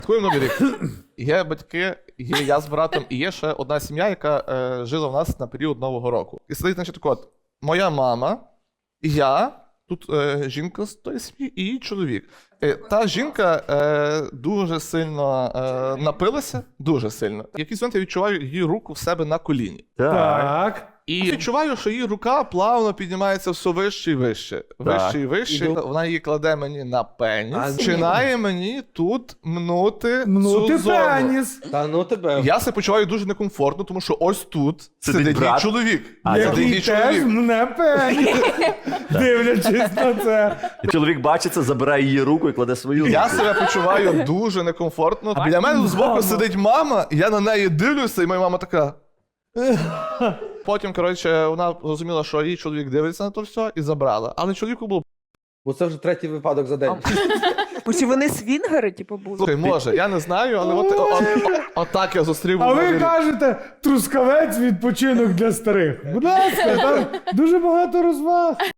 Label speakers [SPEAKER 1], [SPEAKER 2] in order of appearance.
[SPEAKER 1] Святкуємо Новий рік. Є батьки, є я з братом, і є ще одна сім'я, яка жила в нас на період Нового року. І сидить, значить, так от, моя мама, я, тут жінка з тої сім'ї і її чоловік. Та жінка дуже сильно напилася, дуже сильно. В якийсь момент я відчуваю її руку в себе на коліні.
[SPEAKER 2] Так.
[SPEAKER 1] І відчуваю, що її рука плавно піднімається все вище і вище. Вище і вище. Вона її кладе мені на пеніс. Починає мені тут мнути цю зону.
[SPEAKER 2] пеніс.
[SPEAKER 3] Та ну тебе.
[SPEAKER 1] Я себе почуваю дуже некомфортно, тому що ось тут сидить
[SPEAKER 4] брат.
[SPEAKER 1] мій чоловік. Сидить
[SPEAKER 2] Який
[SPEAKER 1] мій
[SPEAKER 2] теж
[SPEAKER 1] чоловік.
[SPEAKER 2] мне пеніс. Дивлячись на це.
[SPEAKER 4] І чоловік бачиться, забирає її руку і кладе свою руку.
[SPEAKER 1] Я себе почуваю дуже некомфортно. Біля мене збоку сидить мама, я на неї дивлюся, і моя мама така. Потім, коротше, вона зрозуміла, що її чоловік дивиться на то все і забрала. Але чоловіку було
[SPEAKER 3] Бо це вже третій випадок за день.
[SPEAKER 5] Бо чи вони свінгери, типу, були?
[SPEAKER 1] слухай, може, я не знаю, але отак я зустрів.
[SPEAKER 2] А ви
[SPEAKER 1] Новий рік.
[SPEAKER 2] кажете, трускавець відпочинок для старих. Будь ласка, там дуже багато розваг.